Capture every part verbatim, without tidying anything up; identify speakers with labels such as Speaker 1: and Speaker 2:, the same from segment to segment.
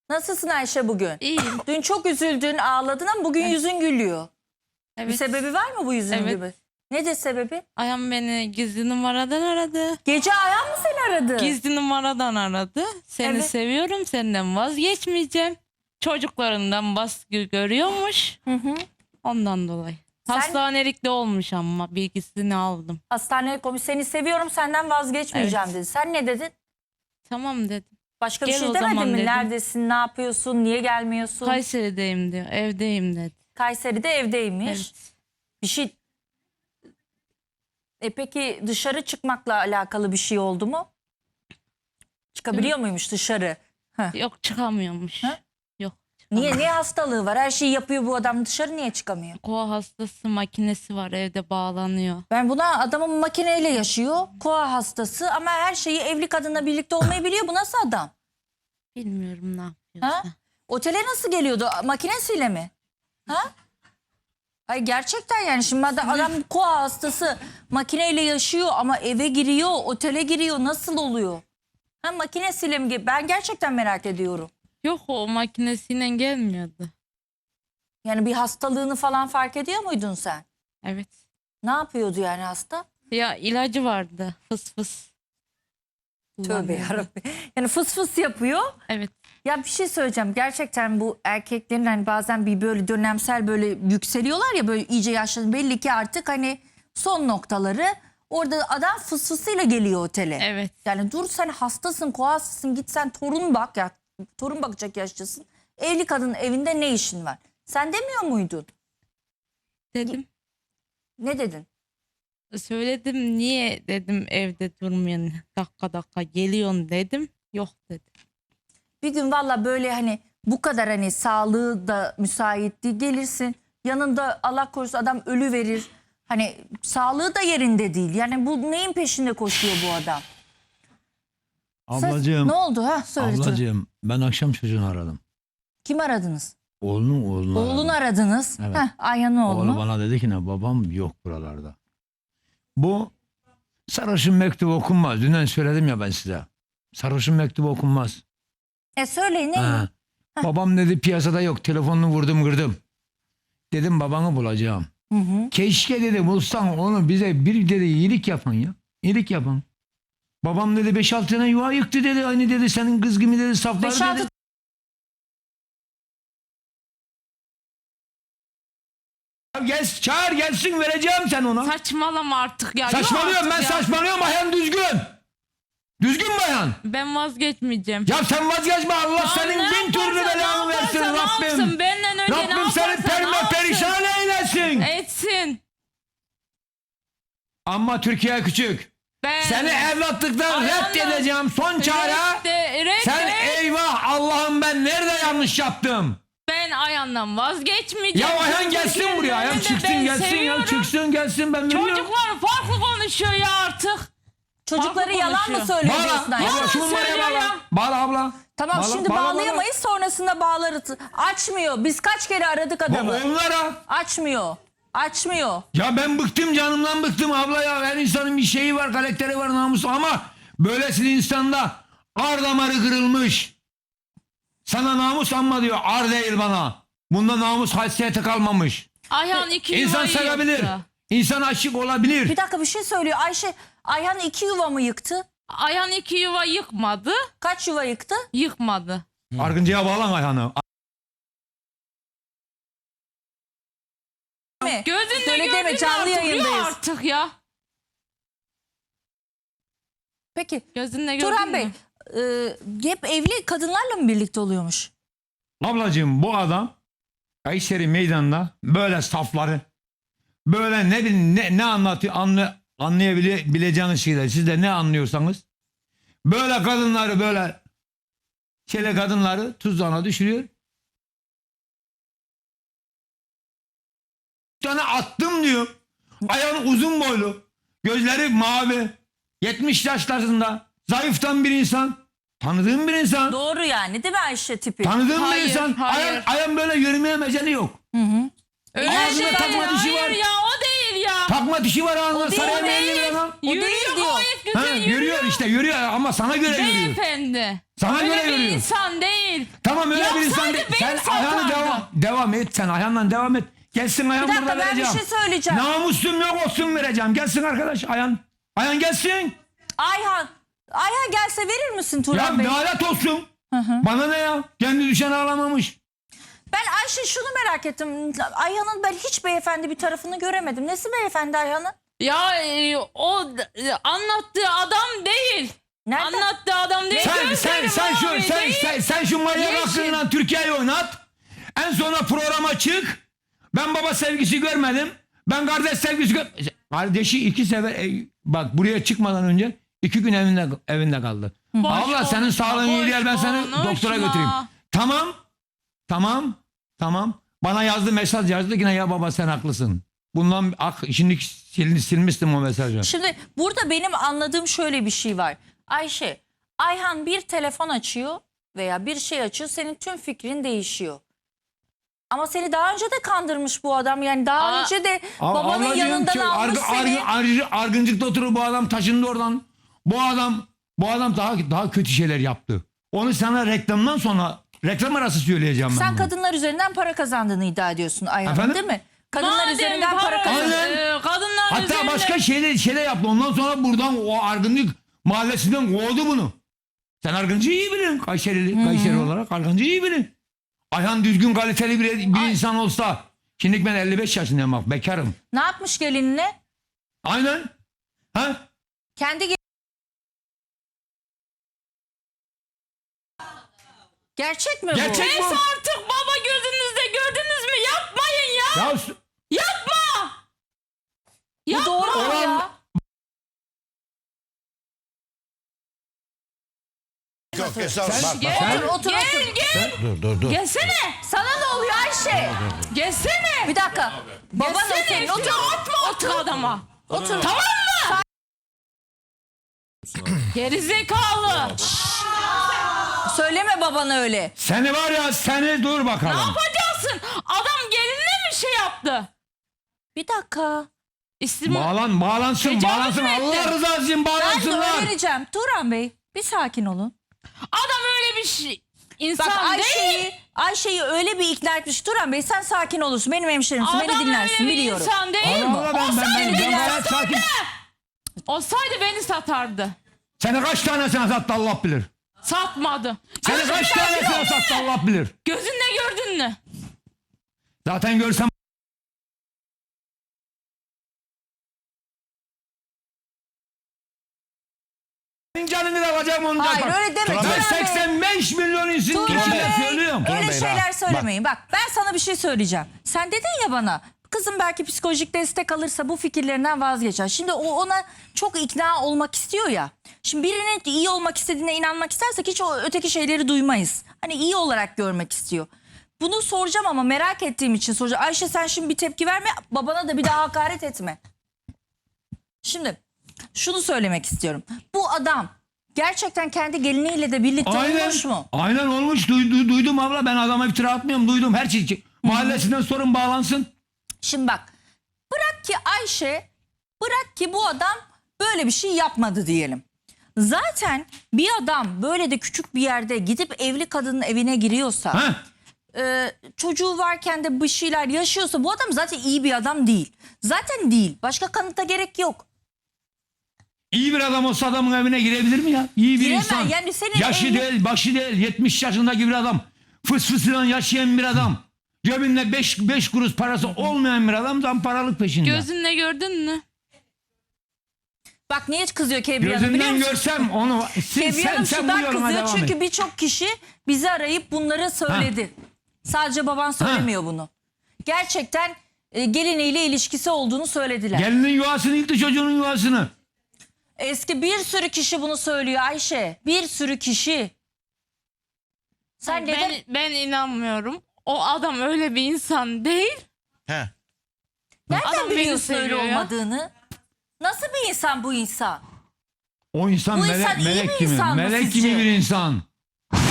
Speaker 1: Nasılsın Ayşe bugün?
Speaker 2: İyiyim.
Speaker 1: Dün çok üzüldün, ağladın ama bugün
Speaker 2: Evet.
Speaker 1: yüzün gülüyor.
Speaker 2: Evet.
Speaker 1: Bir sebebi var mı bu yüzün
Speaker 2: Evet.
Speaker 1: gibi? Nedir sebebi?
Speaker 2: Ayhan beni gizli numaradan aradı.
Speaker 1: Gece Ayhan mı seni aradı?
Speaker 2: Gizli numaradan aradı. Seni
Speaker 1: Evet.
Speaker 2: seviyorum, senden vazgeçmeyeceğim. Çocuklarından baskı görüyormuş.
Speaker 1: Hı hı.
Speaker 2: Ondan dolayı.
Speaker 1: Sen-
Speaker 2: Hastanelikte olmuş ama bilgisini aldım.
Speaker 1: Hastaneye konuş, seni seviyorum, senden vazgeçmeyeceğim dedi. Sen ne dedin?
Speaker 2: Tamam dedim.
Speaker 1: Başka bir
Speaker 2: Gel
Speaker 1: şey
Speaker 2: o
Speaker 1: demedin
Speaker 2: zaman
Speaker 1: mi?
Speaker 2: dedim.
Speaker 1: Neredesin, ne yapıyorsun, niye gelmiyorsun?
Speaker 2: Kayseri'deyim diyor. Evdeyim dedi.
Speaker 1: Kayseri'de evdeymiş.
Speaker 2: Evet.
Speaker 1: Bir şey... E peki dışarı çıkmakla alakalı bir şey oldu mu? Çıkabiliyor muymuş dışarı? Heh.
Speaker 2: Yok çıkamıyormuş.
Speaker 1: Ha?
Speaker 2: Yok.
Speaker 1: Niye? Niye hastalığı var? Her şeyi yapıyor bu adam, dışarı niye çıkamıyor?
Speaker 2: Koa hastası makinesi var, evde bağlanıyor.
Speaker 1: Ben buna adamın makineyle yaşıyor. Koa hastası ama her şeyi evli kadınla birlikte olmayı biliyor. Bu nasıl adam?
Speaker 2: Bilmiyorum ne
Speaker 1: Ha?
Speaker 2: yapıyorsa.
Speaker 1: Otele nasıl geliyordu? Makinesiyle mi? Ha? Hayır gerçekten yani şimdi adam, adam koa hastası makineyle yaşıyor ama eve giriyor, otele giriyor. Nasıl oluyor? Ha makinesiyle mi? ge- Ben gerçekten merak ediyorum.
Speaker 2: Yok o makinesiyle gelmiyordu.
Speaker 1: Yani bir hastalığını falan fark ediyor muydun sen?
Speaker 2: Evet.
Speaker 1: Ne yapıyordu yani hasta?
Speaker 2: Ya ilacı vardı. Fıs fıs.
Speaker 1: Tövbe
Speaker 2: Kullanıyordu.
Speaker 1: yarabbim. Yani fıs fıs yapıyor.
Speaker 2: Evet.
Speaker 1: Ya bir şey söyleyeceğim. Gerçekten bu erkeklerin hani bazen bir böyle dönemsel böyle yükseliyorlar ya böyle iyice yaşlanıyor. Belli ki artık hani son noktaları. Orada adam fıs fısıyla geliyor otele.
Speaker 2: Evet.
Speaker 1: Yani dur sen hastasın, koasısın, git sen torun bak ya. Torun bakacak yaşlısın. Evli kadının evinde ne işin var? Sen demiyor muydun?
Speaker 2: Dedim.
Speaker 1: Ne dedin?
Speaker 2: Söyledim niye dedim evde durmuyorsun. Dakika dakika geliyorsun dedim. Yok dedi.
Speaker 1: Bir gün valla böyle hani bu kadar hani sağlığı da müsait değil, gelirsin. Yanında Allah korusun adam ölü verir. Hani sağlığı da yerinde değil. Yani bu neyin peşinde koşuyor bu adam? Sen-
Speaker 3: Ablacığım,
Speaker 1: ne oldu ha? Söyle. canım.
Speaker 3: ablacığım ben akşam çocuğunu aradım.
Speaker 1: Kim aradınız?
Speaker 3: Oğlunu oğlunu
Speaker 1: Oğlunu
Speaker 3: aradım.
Speaker 1: aradınız.
Speaker 3: Evet.
Speaker 1: Heh, Ayhan'ın oğlunu.
Speaker 3: Oğlu bana dedi ki ne babam yok buralarda. Bu sarhoşun mektubu okunmaz. Dünden söyledim ya ben size. Sarhoşun mektubu okunmaz.
Speaker 1: E söyleyin ne?
Speaker 3: Ha. Babam dedi piyasada yok. Telefonunu vurdum kırdım. Dedim babanı bulacağım.
Speaker 1: Hı hı.
Speaker 3: Keşke dedi bulsan onu bize bir dedi iyilik yapan ya. İyilik yapan. Babam dedi beş altı tane yuva yıktı dedi. Aynı dedi senin kız gibi dedi saflar
Speaker 1: Beş altı
Speaker 3: dedi. Ya Gel, çağır gelsin vereceğim sen ona.
Speaker 2: Saçmalama artık ya. Yok
Speaker 3: Saçmalıyorum ben
Speaker 2: artık ya.
Speaker 3: saçmalıyorum bayan düzgün. Düzgün bayan.
Speaker 2: Ben vazgeçmeyeceğim.
Speaker 3: Ya sen vazgeçme Allah
Speaker 2: Ya
Speaker 3: senin
Speaker 2: ne
Speaker 3: bin türlü
Speaker 2: yaparsa,
Speaker 3: belanı
Speaker 2: ne
Speaker 3: versin
Speaker 2: yaparsa, ne
Speaker 3: Rabbim.
Speaker 2: yapsın? Benden önce ne
Speaker 3: Rabbim seni
Speaker 2: yaparsa, ne
Speaker 3: perme
Speaker 2: yapsın?
Speaker 3: perişan eylesin.
Speaker 2: Etsin.
Speaker 3: Ama Türkiye küçük.
Speaker 2: Ben...
Speaker 3: Seni evlatlıktan
Speaker 2: Ayağımla-
Speaker 3: reddedeceğim son çare.
Speaker 2: Redde- redde-
Speaker 3: Sen eyvah Allah'ım ben nerede yanlış yaptım?
Speaker 2: Ben Ayhan'dan vazgeçmeyeceğim.
Speaker 3: Ya Ayhan
Speaker 2: Çünkü
Speaker 3: gelsin
Speaker 2: Türkiye'nin
Speaker 3: buraya. Ayhan
Speaker 2: önünde
Speaker 3: çıksın
Speaker 2: ben
Speaker 3: gelsin
Speaker 2: seviyorum.
Speaker 3: ya çıksın gelsin ben biliyorum.
Speaker 2: Çocuklar farklı konuşuyor ya artık.
Speaker 1: Çocukları
Speaker 2: Farklı
Speaker 1: yalan mı
Speaker 2: konuşuyor.
Speaker 1: söylüyor
Speaker 3: Bağla.
Speaker 1: diyorsun Ayşe?
Speaker 3: Abla şu numaraya
Speaker 2: söylüyor
Speaker 3: bağla.
Speaker 2: ya.
Speaker 3: Bağla abla.
Speaker 1: Tamam
Speaker 3: Bağla,
Speaker 1: şimdi
Speaker 3: bağla, bağla.
Speaker 1: bağlayamayız sonrasında bağlarız. Açmıyor. Biz kaç kere aradık
Speaker 3: Bu
Speaker 1: adamı.
Speaker 3: onlara.
Speaker 1: Açmıyor. Açmıyor.
Speaker 3: Ya ben bıktım canımdan bıktım abla ya. Her insanın bir şeyi var, karakteri var, namusu ama böylesine insanda ar damarı kırılmış. Sana namus anma diyor. Ar değil bana. Bunda namus haysiyeti kalmamış.
Speaker 2: Ayhan iki
Speaker 3: İnsan
Speaker 2: yuvayı
Speaker 3: sevebilir.
Speaker 2: yıktı.
Speaker 3: İnsan aşık olabilir.
Speaker 1: Bir dakika bir şey söylüyor. Ayşe Ayhan iki yuva mı yıktı?
Speaker 2: Ayhan iki yuva yıkmadı.
Speaker 1: Kaç yuva yıktı?
Speaker 2: Yıkmadı.
Speaker 3: Argıncıya bağlan ayağını.
Speaker 1: Mi?
Speaker 2: Gözünle
Speaker 1: Söyle deme,
Speaker 2: gördün
Speaker 1: canlı
Speaker 2: artık. Yok
Speaker 1: yayındayız.
Speaker 2: artık ya.
Speaker 1: Peki
Speaker 2: Gözünle gördün
Speaker 1: Turan
Speaker 2: mü?
Speaker 1: Bey e, hep evli kadınlarla mı birlikte oluyormuş?
Speaker 3: Ablacığım bu adam Kayseri meydanında böyle safları böyle ne bileyim ne, ne anlatıyor anla, anlayabileceğiniz şeyler siz de ne anlıyorsanız böyle kadınları böyle şöyle kadınları tuzağına düşürüyor. Bir tane attım diyor. Ayağın uzun boylu. Gözleri mavi. yetmiş yaşlarında. Zayıftan bir insan. Tanıdığım bir insan.
Speaker 1: Doğru yani değil mi Ayşe tipi?
Speaker 3: Tanıdığım
Speaker 2: Hayır,
Speaker 3: bir insan.
Speaker 2: hayır.
Speaker 3: Ayağın, ayağın böyle yürümeye meceli yok.
Speaker 2: Öyle
Speaker 3: Ağzına
Speaker 2: şey
Speaker 3: takma
Speaker 2: değil.
Speaker 3: dişi var.
Speaker 2: Hayır ya o değil ya.
Speaker 3: Takma dişi var ağzında.
Speaker 1: O değil,
Speaker 3: Saraya
Speaker 1: o
Speaker 3: meyilli
Speaker 1: değil.
Speaker 3: bir adam.
Speaker 1: O değil
Speaker 2: Yürüyor
Speaker 1: diyor.
Speaker 2: gayet güzel
Speaker 3: Ha,
Speaker 2: yürüyor.
Speaker 3: yürüyor işte yürüyor ama sana göre yürüyor.
Speaker 2: Beyefendi.
Speaker 3: Sana
Speaker 2: Öyle
Speaker 3: göre
Speaker 2: bir
Speaker 3: yürüyor.
Speaker 2: insan değil.
Speaker 3: Tamam öyle bir
Speaker 2: Yapsaydı
Speaker 3: insan değil.
Speaker 2: beni
Speaker 3: Sen ayağını
Speaker 2: satardı.
Speaker 3: devam, devam et. Sen ayağından devam et. Gelsin ayağın
Speaker 1: Bir dakika,
Speaker 3: burada
Speaker 1: ben bir
Speaker 3: vereceğim.
Speaker 1: şey söyleyeceğim.
Speaker 3: Namusum yok olsun vereceğim. Gelsin arkadaş ayağın. Ayağın gelsin.
Speaker 1: Ayhan. Ayhan gelse verir misin Turan
Speaker 3: Ya
Speaker 1: Bey?
Speaker 3: lanet olsun. Bana ne ya? Kendi düşen ağlamamış.
Speaker 1: Ben Ayşe şunu merak ettim. Ayhan'ın ben hiç beyefendi bir tarafını göremedim. Nesi beyefendi Ayhan'ın?
Speaker 2: Ya e, o e, anlattığı adam değil.
Speaker 1: Nerede?
Speaker 2: Anlattığı adam değil.
Speaker 3: Sen sen
Speaker 2: Gözleri
Speaker 3: sen şu
Speaker 2: mavi
Speaker 3: sen,
Speaker 2: değil.
Speaker 3: sen, sen şu manyak
Speaker 2: Yeşil.
Speaker 3: aklınla Türkiye'yi oynat. En sonra programa çık. Ben baba sevgisi görmedim. Ben kardeş sevgisi gör. Kardeşi iki sefer e, bak buraya çıkmadan önce iki gün evinde evinde kaldı.
Speaker 2: Boş
Speaker 3: Abla senin
Speaker 2: konuşma,
Speaker 3: sağlığın iyi
Speaker 2: boş
Speaker 3: değil ben seni
Speaker 2: konuşma.
Speaker 3: doktora götüreyim. Tamam. Tamam. Tamam. Bana yazdı mesaj yazdı yine ya baba sen haklısın. Bundan ak, şimdi sil, silmiştim o mesajı.
Speaker 1: Şimdi burada benim anladığım şöyle bir şey var. Ayşe, Ayhan bir telefon açıyor veya bir şey açıyor, senin tüm fikrin değişiyor. Ama seni daha önce de kandırmış bu adam. Yani daha
Speaker 2: Aa,
Speaker 1: önce de
Speaker 3: Ab-
Speaker 1: babanın
Speaker 3: ablacığım,
Speaker 1: yanından
Speaker 3: ki
Speaker 1: almış
Speaker 3: argı-
Speaker 1: seni.
Speaker 3: argı- argı- Argıncık'ta oturuyor bu adam taşındı oradan. Bu adam bu adam daha daha kötü şeyler yaptı. Onu sana reklamdan sonra reklam arası söyleyeceğim ben.
Speaker 1: Sen
Speaker 3: bunu.
Speaker 1: kadınlar üzerinden para kazandığını iddia ediyorsun Ayhan'ın,
Speaker 3: Efendim?
Speaker 1: değil mi? Kadınlar
Speaker 2: Madem
Speaker 1: üzerinden para,
Speaker 2: para-
Speaker 1: kazandın.
Speaker 3: Aynen.
Speaker 2: e, kadınlar
Speaker 3: Hatta
Speaker 2: üzerinde-
Speaker 3: başka şeyler şeyler yaptı. Ondan sonra buradan o Argıncık mahallesinden kovdu bunu. Sen Argıncı'yı iyi bilin. Kayseri, Kayseri olarak Argıncı'yı iyi bilin. Ayhan düzgün kaliteli bir, bir insan olsa. Şimdi ben elli beş yaşındayım bak bekarım.
Speaker 1: Ne yapmış gelinine?
Speaker 3: Aynen. Ha?
Speaker 1: Kendi ge- Gerçek mi bu?
Speaker 3: Gerçek
Speaker 2: Neyse
Speaker 3: bu.
Speaker 2: artık baba gözünüzde gördünüz mü? Yapmayın ya.
Speaker 3: Ya s-
Speaker 2: Yapma.
Speaker 1: Bu
Speaker 2: Yapma.
Speaker 1: doğru mu
Speaker 3: Olan-
Speaker 1: ya?
Speaker 4: Yok hesap.
Speaker 3: Sen-
Speaker 4: Bak,
Speaker 2: Gel,
Speaker 4: bak,
Speaker 1: Otur, otur,
Speaker 2: gel,
Speaker 1: otur.
Speaker 2: gel.
Speaker 4: Dur dur dur.
Speaker 2: Gelsene.
Speaker 1: Sana ne oluyor Ayşe?
Speaker 2: Gelsene.
Speaker 1: Bir dakika. Baban o
Speaker 2: Gelsene.
Speaker 1: senin.
Speaker 2: Otur.
Speaker 1: Otur.
Speaker 2: Atma otur adama.
Speaker 1: Otur.
Speaker 2: Tamam mı? Gerizekalı.
Speaker 1: Söyleme babana öyle.
Speaker 3: Seni var ya seni dur
Speaker 2: Ne
Speaker 3: bakalım.
Speaker 2: yapacaksın? Adam gelinle mi şey yaptı?
Speaker 1: Bir dakika.
Speaker 2: İsim
Speaker 3: Bağlan, bağlansın,
Speaker 2: Tecavüz
Speaker 3: bağlansın.
Speaker 2: mü etti?
Speaker 3: Allah rızası için
Speaker 1: Ben de
Speaker 3: bağlansınlar.
Speaker 1: öğreneceğim. Turan Bey bir sakin olun.
Speaker 2: adam öyle bir şey.
Speaker 1: Bak
Speaker 2: İnsan değil.
Speaker 1: Ayşe'yi Ayşe'yi öyle bir ikna etmiş. Turan Bey sen sakin olursun. Benim hemşerimsin.
Speaker 2: Adam
Speaker 1: Beni dinlersin
Speaker 2: öyle bir
Speaker 1: biliyorum.
Speaker 2: insan değil.
Speaker 3: Allah Allah, ben, ben,
Speaker 2: Olsaydı
Speaker 3: ben, ben
Speaker 2: beni
Speaker 3: gayet sakin.
Speaker 2: satardı. Olsaydı beni satardı.
Speaker 3: Seni kaç tanesine sattı Allah bilir.
Speaker 2: Satmadı.
Speaker 3: Seni
Speaker 2: Gözünle
Speaker 3: kaç tanesine sattı Allah bilir.
Speaker 2: Gözünle gördün mü?
Speaker 3: Zaten görsem canını da alacağım onu da
Speaker 1: Hayır
Speaker 3: yapar.
Speaker 1: öyle deme
Speaker 4: Turan
Speaker 1: Turan
Speaker 3: Ben
Speaker 4: Bey.
Speaker 1: Bey.
Speaker 3: seksen beş milyon insan
Speaker 1: Turan
Speaker 3: içinde
Speaker 1: Bey.
Speaker 3: söylüyorum.
Speaker 1: Öyle
Speaker 4: Turan Bey,
Speaker 1: şeyler
Speaker 4: rahat.
Speaker 1: söylemeyin. Bak ben sana bir şey söyleyeceğim. Sen dedin ya bana kızım belki psikolojik destek alırsa bu fikirlerinden vazgeçer. Şimdi o ona çok ikna olmak istiyor ya. Şimdi birinin iyi olmak istediğine inanmak istersek hiç o öteki şeyleri duymayız. Hani iyi olarak görmek istiyor. Bunu soracağım ama merak ettiğim için soracağım. Ayşe sen şimdi bir tepki verme, babana da bir daha hakaret etme. Şimdi şunu söylemek istiyorum. Bu adam gerçekten kendi geliniyle de birlikte
Speaker 3: Aynen,
Speaker 1: olmuş mu?
Speaker 3: aynen olmuş. Duydu, duydum abla ben adama iftira atmıyorum. Duydum her şey. Mahallesinden sorun bağlansın.
Speaker 1: Şimdi bak bırak ki Ayşe bırak ki bu adam böyle bir şey yapmadı diyelim. Zaten bir adam böyle de küçük bir yerde gidip evli kadının evine giriyorsa
Speaker 3: Ha?
Speaker 1: e, çocuğu varken de bir şeyler yaşıyorsa bu adam zaten iyi bir adam değil. Zaten değil. Başka kanıta gerek yok.
Speaker 3: İyi bir adam olsa adamın evine girebilir mi ya? İyi bir
Speaker 1: Giremez.
Speaker 3: insan.
Speaker 1: Yani senin
Speaker 3: Yaşı
Speaker 1: evli-
Speaker 3: değil, başı değil. yetmiş yaşındaki bir adam. Fıs fısıyla yaşayan bir adam. Cebinde beş kuruş parası olmayan bir adam zamparalık peşinde.
Speaker 2: Gözünle gördün mü?
Speaker 1: Bak niye kızıyor Kebriye Hanım biliyor
Speaker 3: Gözünden
Speaker 1: musun?
Speaker 3: görsem onu sen,
Speaker 1: Kebriye
Speaker 3: sen,
Speaker 1: Hanım
Speaker 3: sen bu
Speaker 1: şundan
Speaker 3: yoruma
Speaker 1: kızıyor
Speaker 3: devam
Speaker 1: çünkü
Speaker 3: et.
Speaker 1: birçok kişi bizi arayıp bunları söyledi. Sadece baban söylemiyor bunu. Gerçekten e, geliniyle ilişkisi olduğunu söylediler.
Speaker 3: Gelinin yuvasını yıktı çocuğunun yuvasını.
Speaker 1: Eski bir sürü kişi bunu söylüyor Ayşe. Bir sürü kişi. Sen neden?
Speaker 2: Ben, ben inanmıyorum. O adam öyle bir insan değil.
Speaker 4: He.
Speaker 1: Nereden
Speaker 2: adam beni
Speaker 1: biliyorsun öyle
Speaker 2: seviyor ya.
Speaker 1: olmadığını? Nasıl bir insan bu insan?
Speaker 3: O insan
Speaker 1: Bu
Speaker 3: melek,
Speaker 1: insan iyi
Speaker 3: melek
Speaker 1: bir
Speaker 3: gibi.
Speaker 1: insan mı
Speaker 3: Melek
Speaker 1: sizce?
Speaker 3: gibi bir insan.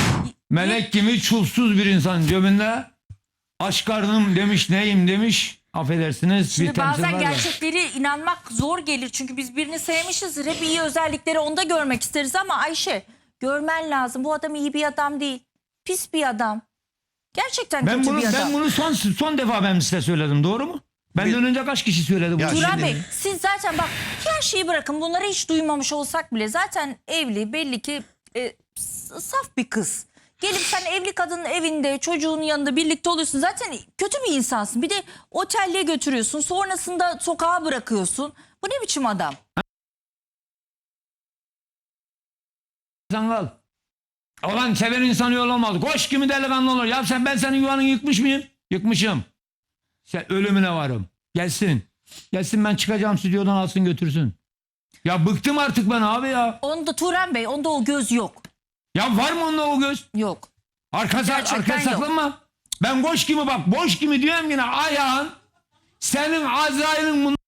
Speaker 3: Melek gibi çulsuz bir insan. Cebinde aşk karnım demiş neyim demiş. affedersiniz
Speaker 1: Şimdi
Speaker 3: bir temsil
Speaker 1: bazen
Speaker 3: var da.
Speaker 1: gerçekleri inanmak zor gelir. Çünkü biz birini sevmişizdir. Hep iyi özellikleri onda görmek isteriz ama Ayşe görmen lazım. Bu adam iyi bir adam değil. Pis bir adam. Gerçekten
Speaker 3: Ben
Speaker 1: kötü
Speaker 3: bunu
Speaker 1: bir adam.
Speaker 3: ben bunu son son defa ben size söyledim, doğru mu? Benden önce kaç kişi söyledi
Speaker 4: Ya
Speaker 3: bunu?
Speaker 1: Turan
Speaker 4: şimdi-
Speaker 1: Bey siz zaten bak her şeyi bırakın, bunları hiç duymamış olsak bile zaten evli, belli ki e, s- saf bir kız. Gelip sen evli kadının evinde çocuğunun yanında birlikte oluyorsun, zaten kötü bir insansın. Bir de otelle götürüyorsun, sonrasında sokağa bırakıyorsun. Bu ne biçim adam?
Speaker 3: Kal. Olan seven insan yol olmaz. Koş kimi delikanlı olur. Ya sen ben senin yuvanı yıkmış mıyım? Yıkmışım. Sen ölümüne varım. Gelsin. Gelsin, ben çıkacağım stüdyodan, alsın götürsün. Ya bıktım artık ben abi ya.
Speaker 1: Onda Turan Bey, onda o göz yok.
Speaker 3: Ya var mı onda o göz?
Speaker 1: Yok.
Speaker 3: Arka,
Speaker 1: Gerçekten
Speaker 3: arka
Speaker 1: yok.
Speaker 3: saklanma. Ben boş kimi bak. Boş kimi diyorum yine ayağın. Senin Azrail'in bunu.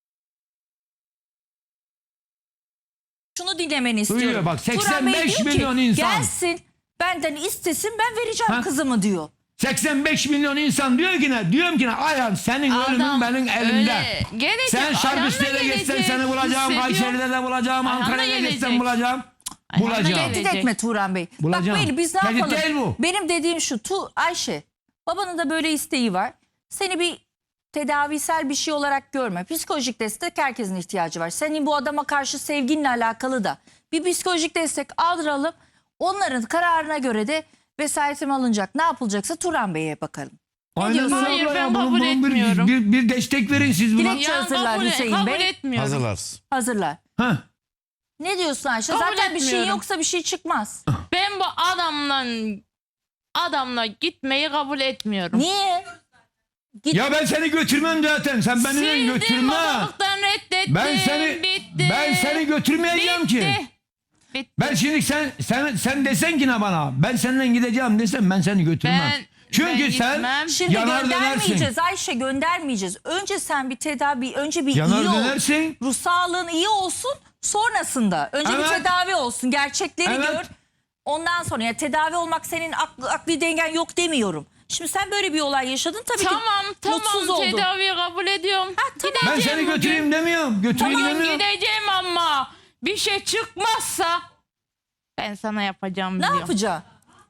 Speaker 1: Şunu dinlemeni istiyorum.
Speaker 3: Duyuyor bak,
Speaker 1: Turan Bey
Speaker 3: seksen beş
Speaker 1: diyor ki,
Speaker 3: milyon insan.
Speaker 1: gelsin benden istesin, ben vereceğim
Speaker 3: Ha?
Speaker 1: kızımı diyor.
Speaker 3: seksen beş milyon insan diyor ki ne? Diyorum ki ne? Ayağın senin ölümün
Speaker 2: Adam
Speaker 3: benim elimde.
Speaker 2: öyle gelecek,
Speaker 3: Sen Şarküste'de
Speaker 2: ayağına
Speaker 3: geçsen
Speaker 2: gelecek,
Speaker 3: seni bulacağım.
Speaker 2: hissediyor.
Speaker 3: Kayseri'de de bulacağım.
Speaker 2: Ayağına
Speaker 3: Ankara'da geçsen
Speaker 2: gelecek.
Speaker 3: bulacağım.
Speaker 2: Ayağına
Speaker 3: Bulacağım.
Speaker 2: gelecek.
Speaker 1: Tehdit etme Turan Bey.
Speaker 3: Bulacağım.
Speaker 1: Bak Beyli, biz ne
Speaker 3: Tehdit
Speaker 1: yapalım?
Speaker 3: değil bu.
Speaker 1: Benim dediğim şu, tu Ayşe, babanın da böyle isteği var. Seni bir tedavisel bir şey olarak görme. Psikolojik destek herkesin ihtiyacı var. Senin bu adama karşı sevginle alakalı da bir psikolojik destek aldıralım. Onların kararına göre de vesayetim alınacak. Ne yapılacaksa Turan Bey'e bakalım.
Speaker 3: Aynen
Speaker 1: diyorsun?
Speaker 3: öyle
Speaker 2: Hayır,
Speaker 3: abla
Speaker 2: ben
Speaker 3: ya. Bunun-
Speaker 2: kabul
Speaker 3: bunun bir,
Speaker 2: etmiyorum.
Speaker 3: Bir, bir destek verin siz buna.
Speaker 1: Dilek-
Speaker 2: Ya
Speaker 1: hazırlar
Speaker 2: kabul,
Speaker 1: Hüseyin
Speaker 2: kabul
Speaker 1: Bey.
Speaker 2: etmiyorum.
Speaker 4: Hazırlarsın.
Speaker 1: Hazırlar.
Speaker 3: Heh.
Speaker 1: Ne diyorsun Ayşe?
Speaker 2: Kabul
Speaker 1: Zaten bir şey
Speaker 2: etmiyorum.
Speaker 1: yoksa bir şey çıkmaz.
Speaker 2: Ben bu adamla adamla gitmeyi kabul etmiyorum.
Speaker 1: Niye? Git.
Speaker 3: Ya ben seni götürmem zaten. Sen beni
Speaker 2: Sildim,
Speaker 3: götürme.
Speaker 2: babalıktan reddettim.
Speaker 3: Ben seni
Speaker 2: bitti.
Speaker 3: ben seni götürmeyeceğim
Speaker 2: bitti.
Speaker 3: ki.
Speaker 2: Bitti.
Speaker 3: Ben şimdi sen sen sen desen ki ne bana? Ben seninle gideceğim desem ben seni götürmem.
Speaker 2: Ben-
Speaker 3: Çünkü
Speaker 2: ben
Speaker 3: sen
Speaker 2: gitmem.
Speaker 1: Şimdi
Speaker 3: yanar
Speaker 1: göndermeyeceğiz
Speaker 3: dönersin.
Speaker 1: Ayşe, göndermeyeceğiz. Önce sen bir tedavi, önce bir
Speaker 3: Yanar
Speaker 1: iyi ol.
Speaker 3: dönersin.
Speaker 1: Ruh sağlığın iyi olsun, sonrasında. Önce bir
Speaker 3: Evet.
Speaker 1: tedavi olsun, gerçekleri
Speaker 3: Evet.
Speaker 1: gör. Ondan sonra ya tedavi olmak senin aklı, akli dengen yok demiyorum. Şimdi sen böyle bir olay yaşadın tabii
Speaker 2: Tamam
Speaker 1: ki mutsuz
Speaker 2: tamam
Speaker 1: oldun.
Speaker 2: tedaviyi kabul ediyorum.
Speaker 1: tamam.
Speaker 3: Ben
Speaker 2: Gideceğim
Speaker 3: seni
Speaker 2: bugün.
Speaker 3: götüreyim demiyorum. Götüreyim
Speaker 2: Tamam
Speaker 3: demiyorum.
Speaker 2: gideceğim ama bir şey çıkmazsa ben sana yapacağım
Speaker 1: Ne
Speaker 2: diyorum.
Speaker 1: yapacağım?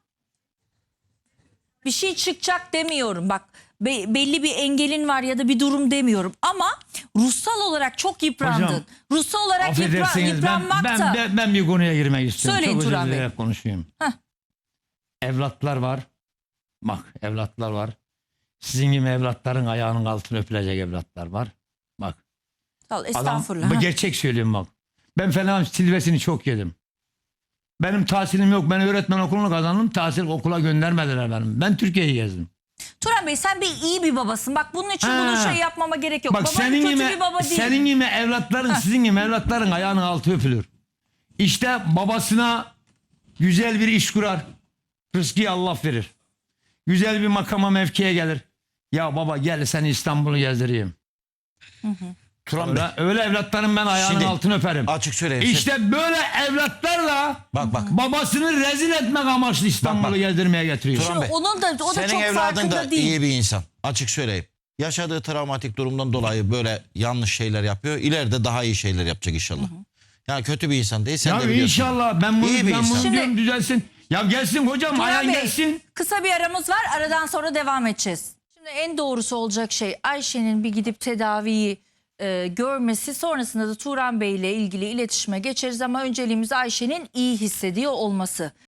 Speaker 1: Bir şey çıkacak demiyorum. Bak be- belli bir engelin var ya da bir durum demiyorum. Ama ruhsal olarak çok yıprandın.
Speaker 3: Hocam,
Speaker 1: ruhsal olarak yıpra-
Speaker 3: Affedersiniz ben,
Speaker 1: yıpranmak
Speaker 3: ben,
Speaker 1: da.
Speaker 3: ben, ben bir konuya girmek istiyorum.
Speaker 1: Söyleyin
Speaker 3: Çok özür
Speaker 1: Turan Bey.
Speaker 3: dileyerek konuşayım.
Speaker 1: Heh.
Speaker 3: Evlatlar var. Bak evlatlar var. Sizin gibi evlatların ayağının altını öpülecek evlatlar var. Bak
Speaker 1: Al,
Speaker 3: adam,
Speaker 1: estağfurullah.
Speaker 3: bu
Speaker 1: ha.
Speaker 3: gerçek söylüyorum bak. Ben falan silvesini çok yedim. Benim tahsilim yok. Ben öğretmen okulunu kazandım. Tahsil okula göndermediler benim. Ben Türkiye'yi gezdim.
Speaker 1: Turan Bey sen bir iyi bir babasın. Bak bunun için
Speaker 3: Ha.
Speaker 1: bunu şey yapmama gerek yok.
Speaker 3: Bak
Speaker 1: Baban
Speaker 3: senin
Speaker 1: kötü
Speaker 3: gibi,
Speaker 1: bir baba değil.
Speaker 3: senin gibi evlatların, sizin gibi evlatların ayağının altı öpülür. İşte babasına güzel bir iş kurar. Rızkı Allah verir. Güzel bir makama mevkiye gelir. Ya baba gel seni İstanbul'u gezdireyim.
Speaker 4: Turan
Speaker 3: Öyle,
Speaker 4: Bey,
Speaker 3: öyle evlatların ben ayağının
Speaker 4: Şimdi-
Speaker 3: altını öperim.
Speaker 4: açık söyleyeyim.
Speaker 3: İşte böyle evlatlarla
Speaker 4: Bak bak.
Speaker 3: babasını rezil etmek amaçlı İstanbul'u
Speaker 4: Bak, bak.
Speaker 3: gezdirmeye getiriyor.
Speaker 4: Turan Bey,
Speaker 1: Onun da o da
Speaker 4: senin
Speaker 1: çok
Speaker 4: evladın
Speaker 1: farkında
Speaker 4: da
Speaker 1: değil.
Speaker 4: iyi bir insan. Açık söyleyeyim. Yaşadığı travmatik durumdan dolayı böyle yanlış şeyler yapıyor. İleride daha iyi şeyler yapacak inşallah. Yani kötü bir insan değil. Sen
Speaker 3: Ya
Speaker 4: de biliyorsun.
Speaker 3: inşallah ben bunu,
Speaker 4: İyi bir
Speaker 3: ben
Speaker 4: insan.
Speaker 3: bunu
Speaker 1: Şimdi-
Speaker 3: diyorum düzelsin. Ya gelsin hocam
Speaker 1: Turan
Speaker 3: ayağın
Speaker 1: Bey,
Speaker 3: gelsin.
Speaker 1: kısa bir aramız var. Aradan sonra devam edeceğiz. Şimdi en doğrusu olacak şey Ayşe'nin bir gidip tedaviyi e, görmesi. Sonrasında da Turan Bey ile ilgili iletişime geçeriz ama önceliğimiz Ayşe'nin iyi hissediyor olması.